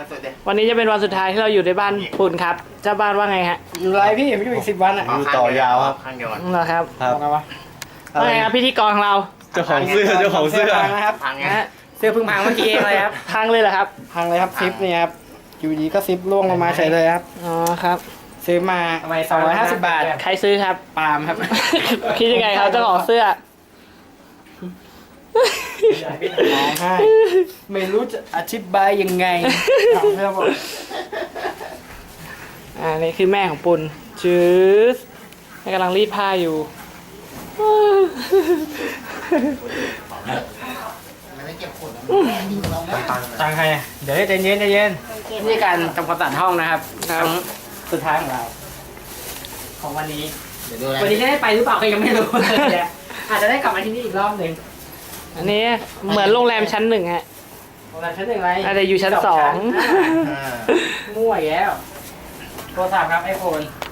สุดเด็ดวันนี้จะเป็นวันสุดท้ายที่เราอยู่ในบ้านปุ่นครับเจ้าบ้านว่าไงฮะอยู่ไรพี่ผมอยู่อีก10 วันอ่ะอยู่ต่อยาวครับข้างเดียวกันเหรอครับครับบอกไงวะว่าไงครับพิธีกรของเราเจ้าของเสื้อเจ้าของเสื้อพังนะครับพังไงนะฮะเสื้อเพิ่งพังเมื่อกี้เองเลยครับพังเลยเหรอครับพังเลยครับซิปเนี่ยครับอยู่ดีก็ซิปล่วงลงมาเฉยเลยครับอ๋อครับซื้อมา250 บาทใครซื้อครับปาล์มครับคิดยังไงครับเจ้าของเสื้อร้องไห้ไม่รู้จะอธิบายยังไงเอาเสื้อบอกนี่คือแม่ของปุ่นจื้อให้กำลังรีดผ้าอยู่มันไม่เก็บขวดตังใครอะเดี๋ยวใจเย็นใจเย็นนี่การทำความสะอาดห้องนะครับครั้งสุดท้ายของเรา ของวันนี้เดี๋ยวดูอะไรวันนี้จะได้ไปหรือเปล่าก็ยังไม่รู้เลยเนี่ยอาจจะได้กลับมาที่นี่อีกรอบหนึ่งอันนี้เหมือนโรงแรมชั้นหนึ่งฮะโรงแรมชั้นหนึ่งไรอาจจะอยู่ชั้นสองมั่วอีกแล้วโทรศัพท์ครับไอโฟน